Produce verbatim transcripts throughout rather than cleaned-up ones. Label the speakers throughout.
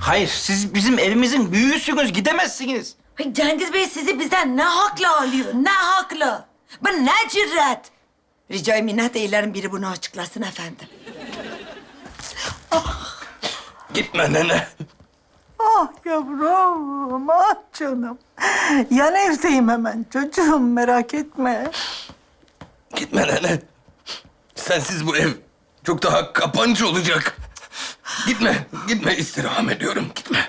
Speaker 1: Hayır, siz bizim evimizin büyüğüsünüz, gidemezsiniz.
Speaker 2: Ay, Cengiz Bey sizi bizden ne hakla alıyor? Ne hakla? Bu ne cüret? Rica minnet eylerim biri bunu açıklasın efendim.
Speaker 1: Gitme nene.
Speaker 3: Ah yavrum, ah canım. Yan evdeyim hemen çocuğum, merak etme.
Speaker 1: Gitme nene. Sensiz bu ev çok daha kapancı olacak. Gitme, gitme. İstirham ediyorum, gitme.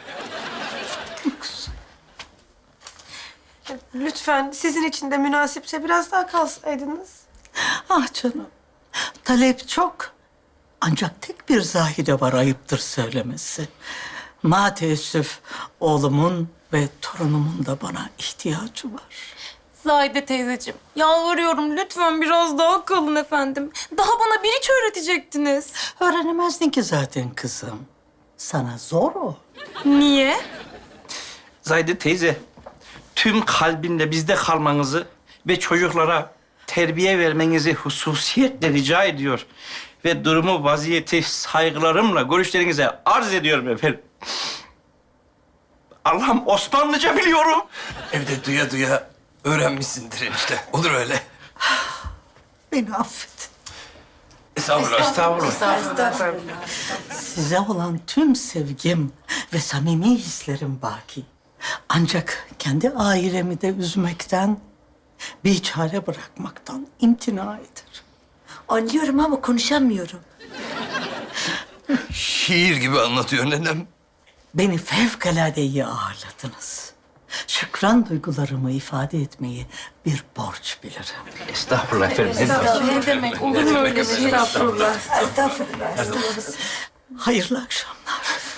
Speaker 4: Lütfen sizin için de münasipse biraz daha kalsaydınız.
Speaker 3: Ah canım, talep çok. Ancak tek bir Zahide var, ayıptır söylemesi. Ma teessüf, oğlumun ve torunumun da bana ihtiyacı var.
Speaker 5: Zahide teyzeciğim, yalvarıyorum lütfen biraz daha kalın efendim. Daha bana bir hiç öğretecektiniz.
Speaker 3: Öğrenemezdin ki zaten kızım. Sana zor o.
Speaker 5: Niye?
Speaker 1: Zahide teyze, tüm kalbinle bizde kalmanızı ve çocuklara terbiye vermenizi hususiyetle rica ediyor. Ve durumu, vaziyeti saygılarımla görüşlerinize arz ediyorum efendim. Allah'ım, Osmanlıca biliyorum.
Speaker 6: Evde duya duya öğrenmişsindir enişte. Olur öyle.
Speaker 3: Beni affet.
Speaker 6: Estağfurullah.
Speaker 1: Estağfurullah.
Speaker 3: Size olan tüm sevgim ve samimi hislerim baki. Ancak kendi ailemi de üzmekten, bir çare bırakmaktan imtina eder.
Speaker 2: Anlıyorum ama konuşamıyorum.
Speaker 6: Şiir gibi anlatıyor nenem.
Speaker 3: Beni fevkalade iyi ağırladınız. Şükran duygularımı ifade etmeyi bir borç bilirim.
Speaker 1: Estağfurullah efendim. Ne demek?
Speaker 5: Ne demek? Olur mu öyle şey?
Speaker 4: Estağfurullah.
Speaker 2: Estağfurullah, estağfurullah.
Speaker 3: Hayırlı akşamlar.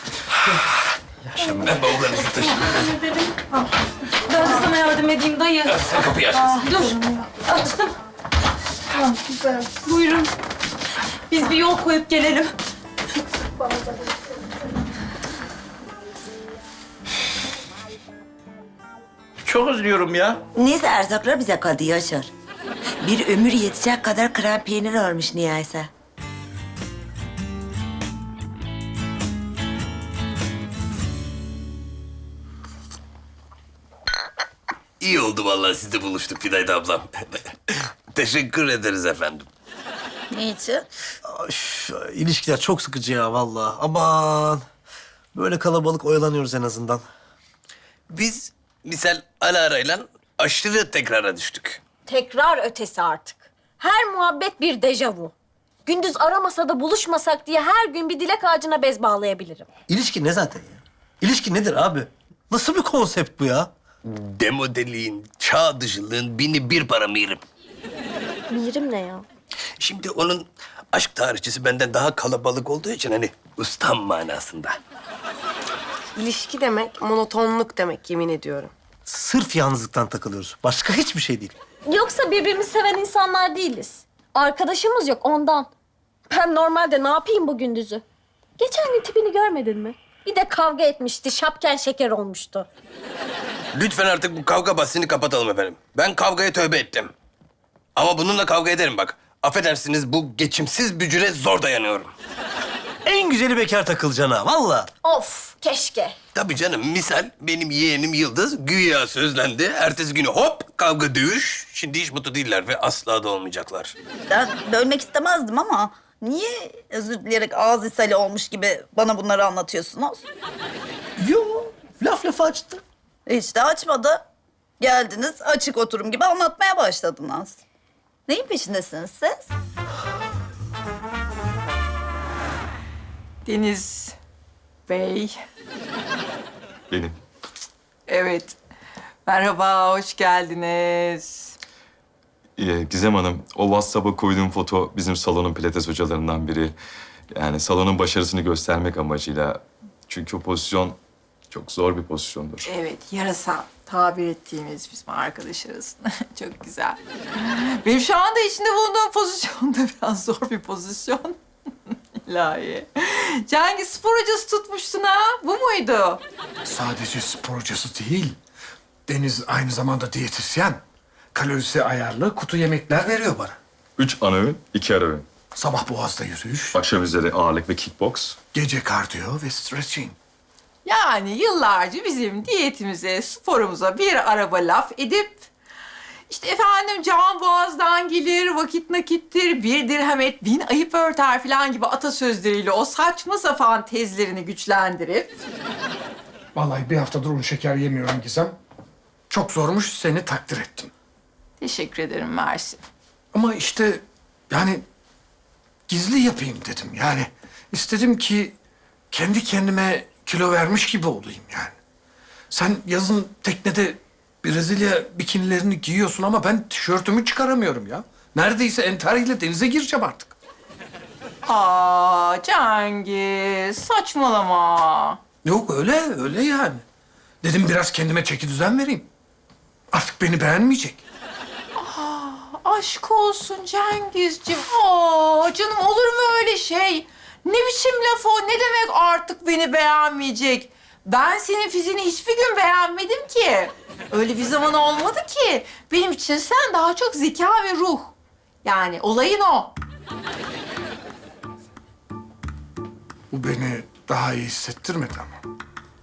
Speaker 6: Ben bavullarınızı taşıyayım.
Speaker 5: Ben de sana yardım edeyim dayı.
Speaker 6: Sen kapıyı aç.
Speaker 5: Dur, açtım. Buyurun. Biz bir yol koyup gelelim.
Speaker 1: Çok üzülüyorum ya.
Speaker 2: Neyse erzaklar bize kaldı Yaşar. Bir ömür yetecek kadar krem peynir almış niyeyse.
Speaker 6: İyi oldu vallahi sizle buluştuk Fidayda ablam. Teşekkür ederiz efendim.
Speaker 2: Niçin?
Speaker 7: Üf, ilişkiler çok sıkıcı ya vallahi. Aman. Böyle kalabalık oyalanıyoruz en azından.
Speaker 6: Biz misal Alara'yla aşırı tekrara düştük.
Speaker 8: Tekrar ötesi artık. Her muhabbet bir dejavu. Gündüz aramasa da buluşmasak diye her gün bir dilek ağacına bez bağlayabilirim.
Speaker 7: İlişki ne zaten ya? İlişki nedir abi? Nasıl bir konsept bu ya?
Speaker 6: Demodeliğin, çağ dışılığın bini bir para mirim.
Speaker 8: Mirim ne ya?
Speaker 6: Şimdi onun aşk tarihçisi benden daha kalabalık olduğu için hani ustam manasında.
Speaker 4: İlişki demek monotonluk demek, yemin ediyorum.
Speaker 7: Sırf yalnızlıktan takılıyoruz. Başka hiçbir şey değil.
Speaker 8: Yoksa birbirimizi seven insanlar değiliz. Arkadaşımız yok ondan. Ben normalde ne yapayım bu gündüzü? Geçen gün tipini görmedin mi? Bir de kavga etmişti, şapken şeker olmuştu.
Speaker 6: Lütfen artık bu kavga bahsini kapatalım efendim. Ben kavgaya tövbe ettim. Ama bununla kavga ederim bak. Affedersiniz bu geçimsiz bücüre zor dayanıyorum.
Speaker 7: En güzeli bekar takılacaksın ha vallahi.
Speaker 8: Of, keşke.
Speaker 6: Tabii canım misal benim yeğenim Yıldız güya sözlendi. Ertesi günü hop kavga dövüş. Şimdi hiç mutlu değiller ve asla da olmayacaklar.
Speaker 9: Ben bölmek istemezdim ama niye özür dileyerek ağız ishali olmuş gibi bana bunları anlatıyorsunuz?
Speaker 7: Yo, laf lafı açtı.
Speaker 9: Hiç de açmadı. Geldiniz açık oturum gibi anlatmaya başladınız. Neyin peşindesiniz siz?
Speaker 10: Deniz Bey.
Speaker 11: Benim.
Speaker 10: Evet. Merhaba, hoş geldiniz.
Speaker 11: Ee, Gizem Hanım, o WhatsApp'a koyduğum foto bizim salonun pilates hocalarından biri. Yani salonun başarısını göstermek amacıyla. Çünkü o pozisyon çok zor bir pozisyondur.
Speaker 10: Evet, yarasa tabir ettiğimiz bizim arkadaşlarız. Çok güzel. Benim şu anda içinde bulunduğum pozisyon da biraz zor bir pozisyon. İlahi. Cengiz spor hocası tutmuştun ha, bu muydu?
Speaker 12: Sadece spor hocası değil. Deniz aynı zamanda diyetisyen. Kalorisi ayarlı kutu yemekler veriyor bana.
Speaker 11: Üç ana öğün, iki ara öğün.
Speaker 12: Sabah boğazda yürüyüş,
Speaker 11: Akşam üzeri ağırlık ve kickbox.
Speaker 12: gece kardiyo ve stretching.
Speaker 10: Yani yıllarca bizim diyetimize, sporumuza bir araba laf edip... işte efendim can boğazdan gelir, vakit nakittir, bir dirhem et, bin ayıp örter falan gibi atasözleriyle o saçma sapan tezlerini güçlendirip...
Speaker 12: Vallahi bir haftadır un şeker yemiyorum Gizem. Çok zormuş, seni takdir ettim.
Speaker 10: Teşekkür ederim Mersin.
Speaker 12: Ama işte yani gizli yapayım dedim. Yani istedim ki kendi kendime kilo vermiş gibi olayım yani. Sen yazın teknede Brezilya bikinilerini giyiyorsun ama ben tişörtümü çıkaramıyorum ya. Neredeyse entariyle denize gireceğim artık.
Speaker 10: Aa Cengiz, saçmalama.
Speaker 12: Yok öyle, öyle yani. Dedim biraz kendime çeki düzen vereyim. Artık beni beğenmeyecek.
Speaker 10: Aşk olsun Cengizciğim. Aa canım olur mu öyle şey? Ne biçim laf o? Ne demek artık beni beğenmeyecek? Ben senin fiziğini hiçbir gün beğenmedim ki. Öyle bir zaman olmadı ki. Benim için sen daha çok zeka ve ruh. Yani olayın o.
Speaker 12: Bu beni daha iyi hissettirmedi ama.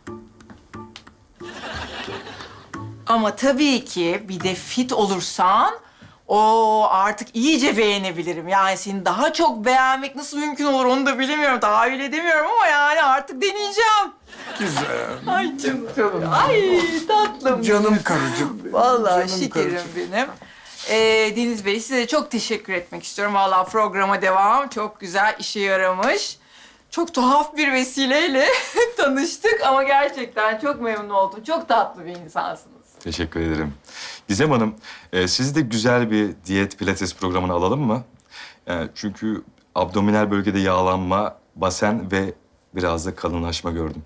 Speaker 10: Ama tabii ki bir de fit olursan o artık iyice beğenebilirim. Yani seni daha çok beğenmek nasıl mümkün olur onu da bilemiyorum. Tahayyül edemiyorum ama yani artık deneyeceğim.
Speaker 12: Güzel.
Speaker 10: Ay canım. Ay tatlım.
Speaker 12: Canım karıcığım.
Speaker 10: Vallahi
Speaker 12: Canım
Speaker 10: şekerim
Speaker 12: karıcığım.
Speaker 10: benim. Ee, Deniz Bey size çok teşekkür etmek istiyorum. Vallahi programa devam. Çok güzel işe yaramış. Çok tuhaf bir vesileyle tanıştık ama gerçekten çok memnun oldum. Çok tatlı bir insansınız.
Speaker 11: Teşekkür ederim. Gizem Hanım, e, sizi de güzel bir diyet pilates programına alalım mı? E, çünkü abdominal bölgede yağlanma, basen ve biraz da kalınlaşma gördüm.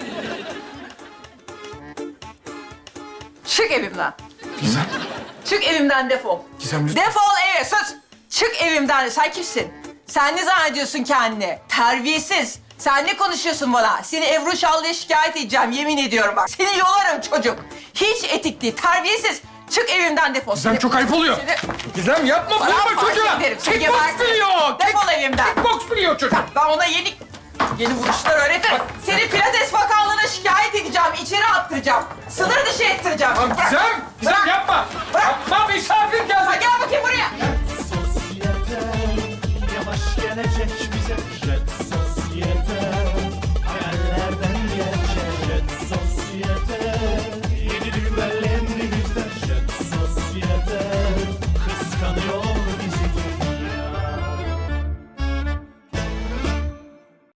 Speaker 10: Çık evimden.
Speaker 12: Gizem.
Speaker 10: Çık evimden defol.
Speaker 12: Gizem lütfen.
Speaker 10: Defol eve sus. Çık evimden. Sen kimsin? Sen ne zannediyorsun kendini? Terbiyesiz. Sen ne konuşuyorsun bana? Seni Ebru Şallı'ya şikayet edeceğim yemin ediyorum bak. Seni yolarım çocuk. Hiç etik değil. Terbiyesiz. Çık evimden defol.
Speaker 12: Gizem
Speaker 10: Seni-
Speaker 12: çok ayıp oluyor.
Speaker 10: Seni...
Speaker 12: Gizem yapma,
Speaker 10: Bana
Speaker 12: vurma
Speaker 10: fark
Speaker 12: çocuğa.
Speaker 10: ederim, seni
Speaker 12: Kickbox
Speaker 10: gebertirim.
Speaker 12: biliyor.
Speaker 10: Defol evimden.
Speaker 12: Kickbox biliyor çocuk.
Speaker 10: Ben ona yeni yeni vuruşlar öğretirim. Seni Pilates Bakanlığı'na şikayet edeceğim. İçeri attıracağım. Sınır dışı ettireceğim.
Speaker 12: Tamam
Speaker 10: Bırak.
Speaker 12: Gizem, Gizem
Speaker 10: Bırak.
Speaker 12: yapma.
Speaker 10: Bırak.
Speaker 12: Yapma, misafir geldi.
Speaker 10: Gel bakayım buraya.
Speaker 13: Sosyete yavaş gelecek